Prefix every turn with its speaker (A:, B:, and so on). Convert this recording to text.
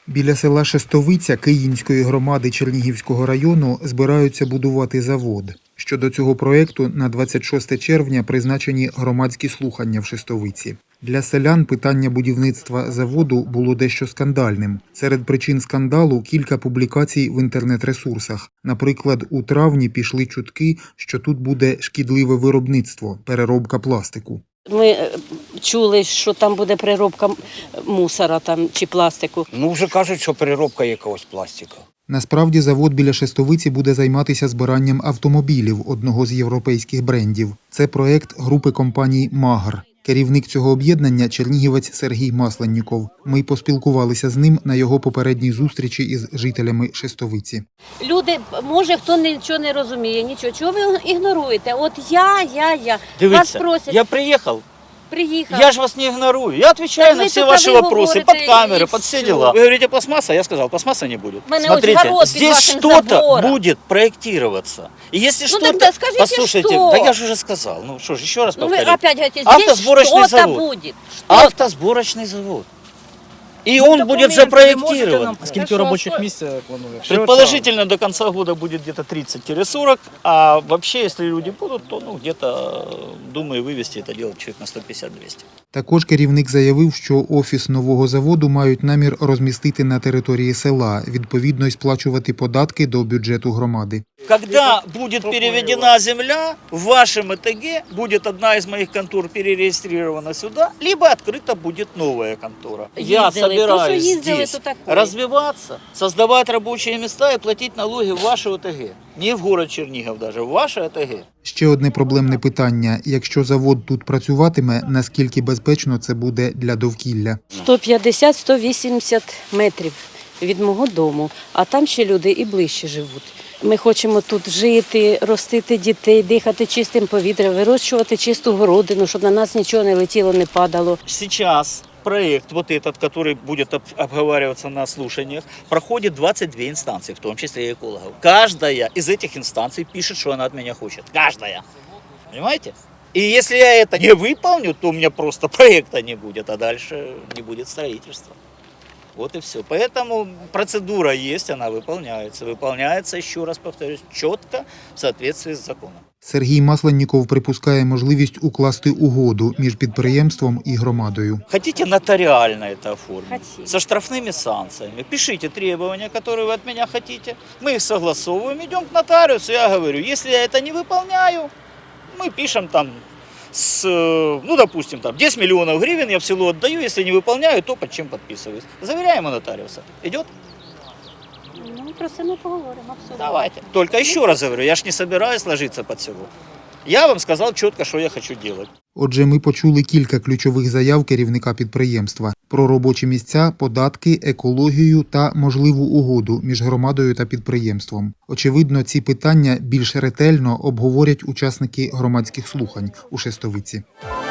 A: Біля села Шестовиця Київської громади Чернігівського району збираються будувати завод. Щодо цього проєкту на 26 червня призначені громадські слухання в Шестовиці. Для селян питання будівництва заводу було дещо скандальним. Серед причин скандалу – кілька публікацій в інтернет-ресурсах. Наприклад, у травні пішли чутки, що тут буде шкідливе виробництво – переробка пластику.
B: Ми чули, що там буде переробка мусора там, чи пластику.
C: Вже кажуть, що переробка якогось пластика.
A: Насправді завод біля Шестовиці буде займатися збиранням автомобілів одного з європейських брендів. Це проєкт групи компаній «Магр». Керівник цього об'єднання – чернігівець Сергій Масленніков. Ми поспілкувалися з ним на його попередній зустрічі із жителями Шестовиці.
B: Люди, може, хто нічого не розуміє, нічого. Чого ви ігноруєте? От я.
D: Дивіться,
B: Вас просять.
D: я приїхав. Я же вас не игнорую. Я отвечаю
B: Так
D: на
B: вы
D: все
B: только
D: ваши
B: вы
D: вопросы,
B: говорите,
D: под камеры,
B: и
D: под все
B: всё.
D: дела. Вы говорите пластмасса, я сказал, пластмасса не будет.
B: Мене
D: Смотрите,
B: ось город під
D: здесь
B: вашим
D: что-то
B: забором.
D: будет проектироваться. И если что-то...
B: тогда скажите,
D: Послушайте,
B: что?
D: да я же уже сказал. Ну что ж, еще раз
B: Вы
D: повторю.
B: опять говорите, здесь
D: Автосборочный
B: что-то
D: завод.
B: будет.
D: Автосборочный завод. И он будет запроектирован.
E: Скільки робочих місць планує?
D: Предположительно, до конца года будет где-то 30-40, а вообще, если люди будут, то где-то, думаю, вывести это дело человек на 150-200.
A: Також керівник заявив, що офіс нового заводу мають намір розмістити на території села, відповідно й сплачувати податки до бюджету громади.
D: Когда будет переведена земля, в вашем ЭТГ будет одна из моих контор перерегистрирована сюда, либо открыта будет новая контора. Я собираюсь здесь развиваться, создавать рабочие места и платить налоги в ваше ОТГ. Не в город Чернигов даже, в ваше ОТГ.
A: Ще одне проблемне питання – якщо завод тут працюватиме, наскільки безпечно це буде для довкілля?
B: 150-180 метрів від мого дому, а там ще люди і ближче живуть. Ми хочемо тут жити, ростити дітей, дихати чистим повітрям, вирощувати чисту городину, щоб на нас нічого не летіло, не падало.
D: Сейчас проект вот этот, который будет обговариваться на слушаниях, проходит 22 инстанции, в том числе и экологов. Каждая из этих инстанций пишет, что она от меня хочет. Каждая. Понимаете? И если я это не выполню, то у меня просто проекта не будет, а дальше не будет строительства. Вот и все. Поэтому процедура есть, она выполняется. Выполняется, еще раз повторюсь, четко в соответствии с законом.
A: Сергій Масленніков припускає можливість укласти угоду між підприємством і громадою.
D: Хотите нотариально это оформить?
B: Хотим.
D: Со штрафными санкциями. Пишите требования, которые вы от меня хотите. Мы их согласовываем, идем к нотариусу. Я говорю, если я это не выполняю, мы пишем там допустим, 10 миллионов гривен я в село отдаю, если не выполняю, то под чем подписываюсь. Заверяем у нотариуса. Идет?
B: Про це ми поговоримо, абсолютно.
D: Давайте. Только еще раз говорю, я ж не собираюсь ложиться под село. Я вам сказал четко, что я хочу делать.
A: Отже, ми почули кілька ключових заяв керівника підприємства про робочі місця, податки, екологію та можливу угоду між громадою та підприємством. Очевидно, ці питання більш ретельно обговорять учасники громадських слухань у Шестовиці.